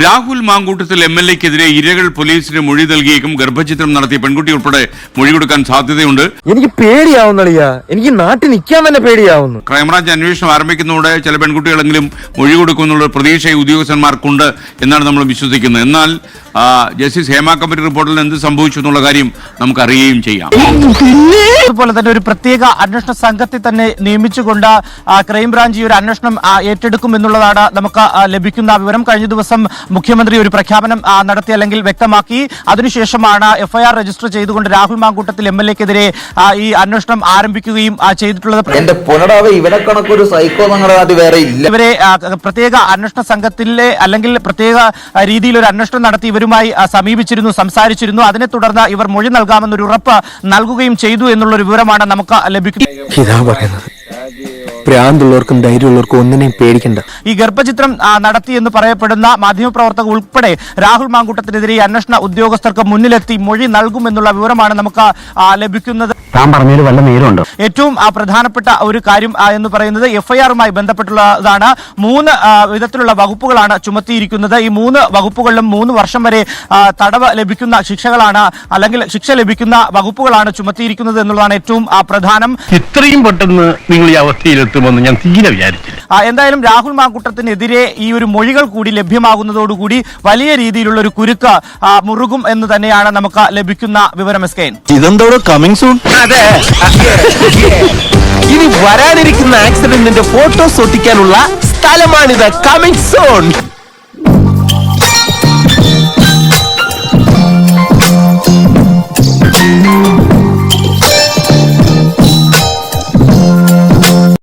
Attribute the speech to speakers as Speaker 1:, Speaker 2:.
Speaker 1: രാഹുൽ മാങ്കൂട്ടത്തിൽ MLA-ക്കെതിരെ ഇരകൾ പോലീസിന് മൊഴി നൽകിയേക്കും. ഗർഭചിത്രം നടത്തിയ പെൺകുട്ടി ഉൾപ്പെടെ മൊഴി കൊടുക്കാൻ സാധ്യതയുണ്ട്.
Speaker 2: എനിക്ക് പേടിയാവുന്നളിയാ, എനിക്ക് നാട്ടിൽ നിൽക്കാൻ തന്നെ പേടിയാവുന്നു.
Speaker 1: ക്രൈംബ്രാഞ്ച് അന്വേഷണം ആരംഭിക്കുന്നതോടെ ചില പെൺകുട്ടികളെങ്കിലും മൊഴി കൊടുക്കുമെന്നുള്ള പ്രതീക്ഷ ഉദ്യോഗസ്ഥന്മാർക്കുണ്ട് എന്നാണ് നമ്മൾ വിശ്വസിക്കുന്നത്. എന്നാൽ ജസ്റ്റിസ് ഹേമ കമ്മിറ്റി റിപ്പോർട്ടിൽ എന്ത് സംഭവിച്ചു എന്നുള്ള കാര്യം നമുക്ക് അറിയുകയും ചെയ്യാം.
Speaker 3: അതുപോലെ തന്നെ ഒരു പ്രത്യേക അന്വേഷണ സംഘത്തെ തന്നെ നിയമിച്ചുകൊണ്ട് ക്രൈംബ്രാഞ്ച് ഈ ഒരു അന്വേഷണം ഏറ്റെടുക്കും എന്നുള്ളതാണ് നമുക്ക് ലഭിക്കുന്ന വിവരം. കഴിഞ്ഞ ദിവസം മുഖ്യമന്ത്രി ഒരു പ്രഖ്യാപനം നടത്തി അല്ലെങ്കിൽ വ്യക്തമാക്കി. അതിനുശേഷമാണ് FIR രജിസ്റ്റർ ചെയ്തുകൊണ്ട് രാഹുൽ മാങ്കൂട്ടത്തിൽ MLA-ക്കെതിരെ ഈ അന്വേഷണം ആരംഭിക്കുകയും ചെയ്തിട്ടുള്ളത്. ഇവരെ പ്രത്യേക അന്വേഷണ സംഘത്തിലെ അല്ലെങ്കിൽ പ്രത്യേക രീതിയിൽ ഒരു അന്വേഷണം നടത്തി ഇവരുമായി സമീപിച്ചിരുന്നു, സംസാരിച്ചിരുന്നു. അതിനെ തുടർന്ന് ഇവർ മൊഴി നൽകാമെന്നൊരു ഉറപ്പ് നൽകുകയും ചെയ്തു എന്നുള്ളൊരു വിവരമാണ് നമുക്ക് ലഭിക്കുന്നത്.
Speaker 2: പ്രാന്തുള്ളവർക്കും ധൈര്യമുള്ളവർക്കും ഒന്നിനെയും പേടിക്കണ്ട.
Speaker 3: ഈ ഗർഭചിത്രം നടത്തി എന്ന് പറയപ്പെടുന്ന മാധ്യമപ്രവർത്തകർ ഉൾപ്പെടെ രാഹുൽ മാങ്കൂട്ടത്തിനെതിരെ അന്വേഷണ ഉദ്യോഗസ്ഥർക്ക് മുന്നിലെത്തി മൊഴി നൽകുമെന്നുള്ള വിവരമാണ് നമുക്ക് ലഭിക്കുന്നത്. ഏറ്റവും പ്രധാനപ്പെട്ട ഒരു കാര്യം എന്ന് പറയുന്നത് FIR-മായി ബന്ധപ്പെട്ടുള്ളതാണ്. 3 വിധത്തിലുള്ള വകുപ്പുകളാണ് ചുമത്തിയിരിക്കുന്നത്. ഈ 3 വകുപ്പുകളിലും 3 വർഷം വരെ തടവ് ലഭിക്കുന്ന ശിക്ഷകളാണ് അല്ലെങ്കിൽ ശിക്ഷ ലഭിക്കുന്ന വകുപ്പുകളാണ് ചുമത്തിയിരിക്കുന്നത് എന്നുള്ളതാണ് ഏറ്റവും പ്രധാനം.
Speaker 4: ഇത്രയും പെട്ടെന്ന് നിങ്ങൾ ഈ അവസ്ഥയിലെത്തുമെന്ന് ഞാൻ തീരെ വിചാരിച്ചില്ല.
Speaker 3: എന്തായാലും രാഹുൽ മാങ്കൂട്ടത്തിനെതിരെ ഈ ഒരു മൊഴികൾ കൂടി ലഭ്യമാകുന്നതോടുകൂടി വലിയ രീതിയിലുള്ള ഒരു കുരുക്ക് മുറുകും എന്ന് തന്നെയാണ് നമുക്ക് ലഭിക്കുന്ന വിവരം.
Speaker 2: ഇതെന്തോടോ കമ്മിങ് സൂൺ. ഇനി വരാനിരിക്കുന്ന ആക്സിഡന്റിന്റെ ഫോട്ടോസ് ഒട്ടിക്കാനുള്ള സ്ഥലമാണിത്. Coming soon.